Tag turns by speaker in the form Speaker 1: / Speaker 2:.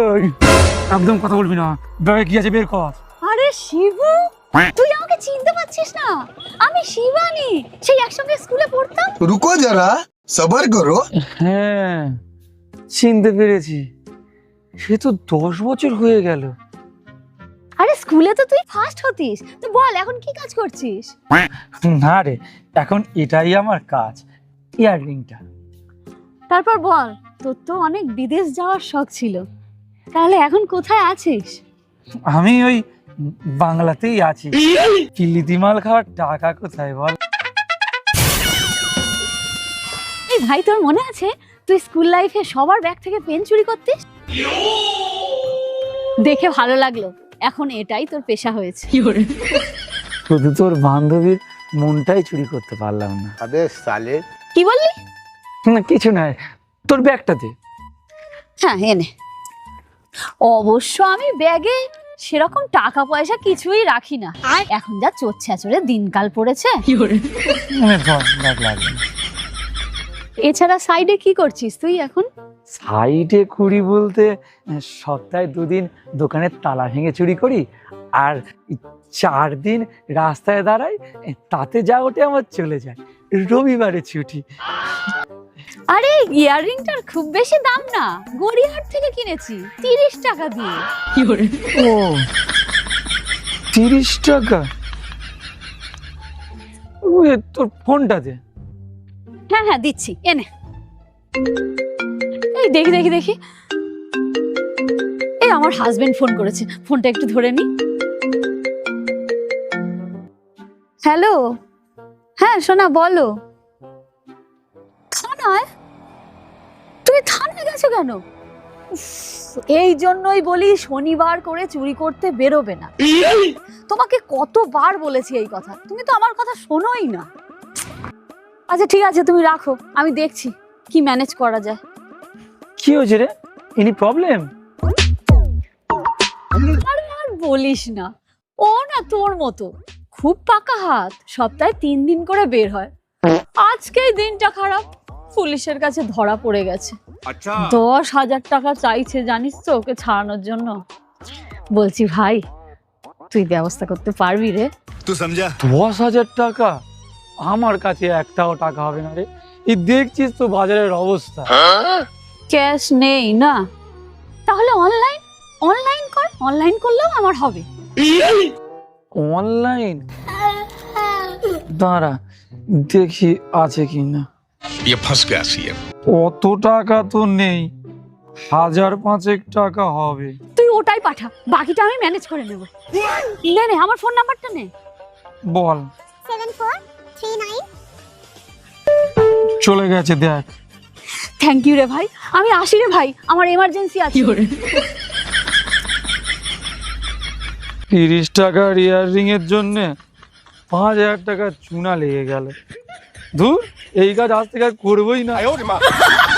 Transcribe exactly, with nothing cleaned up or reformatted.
Speaker 1: একদম কথা বলবি না, ব্যাগে কি আছে বের কর।
Speaker 2: আরে শিবু, তুই আমাকে চিনতে পারছিস না? আমি শিবানী, সেই একসঙ্গে স্কুলে পড়তাম।
Speaker 3: রুকো যারা, সবার করো।
Speaker 1: হ্যাঁ চিনতে পেরেছি, সে তো দশ বছর হয়ে গেল।
Speaker 2: আরে স্কুলে তো তুই ফার্স্ট হতিস, তো বল এখন কি কাজ করছিস?
Speaker 1: না রে, এখন এটাই আমার কাজ, ইয়াররিংটা।
Speaker 2: তারপর বল, তোর তো অনেক বিদেশ যাওয়ার শখ ছিল, তাহলে এখন কোথায় আছিস?
Speaker 1: আমি ওই বাংলাতেই আছি, কিলিতি মাল খাওয়ার টাকা কোথায় বল?
Speaker 2: এই ভাই, তোর মনে আছে তুই স্কুল লাইফে সবার ব্যাগ থেকে পেন চুরি করতিস? দেখে ভালো লাগলো, এখন এটাই তোর পেশা হয়েছে।
Speaker 1: শুধু তোর বান্ধবীর মনটাই চুরি করতে পারলাম না।
Speaker 3: আবে সালে,
Speaker 2: কি বললি?
Speaker 1: না কিছু নয়, তোর ব্যাগটা দে।
Speaker 2: হ্যাঁ এনে। অবশ্য আমি ব্যাগে সেরকম টাকা পয়সা কিছুই রাখি না, এখন যা চোর ছেঁচড়ে দিনকাল পড়েছে।
Speaker 1: ব্যাগ লাগবে।
Speaker 2: এছাড়া সাইডে কি করছিস তুই এখন?
Speaker 1: সাইডে কুড়ি বলতে সপ্তাহে দুদিন দোকানের তালা ভেঙে চুরি করি, আর চার দিন রাস্তায় দাঁড়াই, তাতে যা ওঠে আমার চলে যায়। রবিবারে ছুটি।
Speaker 2: আরে ইয়াররিংটার খুব বেশি দাম না, গড়িয়াহাট থেকে কিনেছি তিরিশ টাকা দিয়ে।
Speaker 1: ও তিরিশ টাকা? ওই তোর ফোনটা দে।
Speaker 2: হ্যাঁ হ্যাঁ দিচ্ছি, এনে। এই দেখি দেখি দেখি, এই আমার হাজবেন্ড ফোন করেছে, ফোনটা একটু ধরে নি। হ্যালো, হ্যাঁ সোনা বলো। থানায়? তুমি থানায় গেছো কেন? উফ, এই জন্যই বলি শনিবার করে চুরি করতে বেরোবে না। তোমাকে কতবার বলেছি এই কথা, তুমি তো আমার কথা শোনোই না। আচ্ছা ঠিক আছে, তুমি রাখো, আমি দেখছি কি ম্যানেজ করা যায়।
Speaker 1: কি হয়েছে রে? Any problem?
Speaker 2: আরে আর বলিস না, ও না তোর মতো খুব পাকা হাত, সপ্তাহে তিন দিন করে বের হয়। আজকেই দিনটা খারাপ, পুলিশের কাছে ধরা পড়ে গেছে। দশ হাজার টাকা চাইছে জানিস তো ওকে ছাড়ানোর জন্য। বলছি ভাই, তুই ব্যবস্থা করতে পারবি রে?
Speaker 3: তুই সমঝা?
Speaker 1: দশ হাজার টাকা? আমার কাছে একটাও টাকা হবে না রে। এই দেখছিস তো বাজারের অবস্থা।
Speaker 2: ক্যাশ নেই না? তাহলে অনলাইন অনলাইন কর, অনলাইন করলেও আমার হবে।
Speaker 1: অনলাইন? দাঁড়া দেখি আছে কিনা। অত টাকা তো নেই, হাজার পাঁচেক টাকা হবে।
Speaker 2: তুই ওটাই পাঠা, বাকিটা আমি ম্যানেজ করে নেব। নে নে, আমার ফোন নাম্বারটা নে।
Speaker 1: বল।
Speaker 2: Seven four three nine.
Speaker 1: চলে গেছে দেখ।
Speaker 2: থ্যাংক ইউ রে ভাই, আমি আসি রে ভাই, আমার এমার্জেন্সি আছে।
Speaker 1: তিরিশ টাকার ইয়াররিং এর জন্য পাঁচ হাজার টাকা চুনা লেগে গেল। ধুর, এই কাজ আজ থেকে আর করবোই না।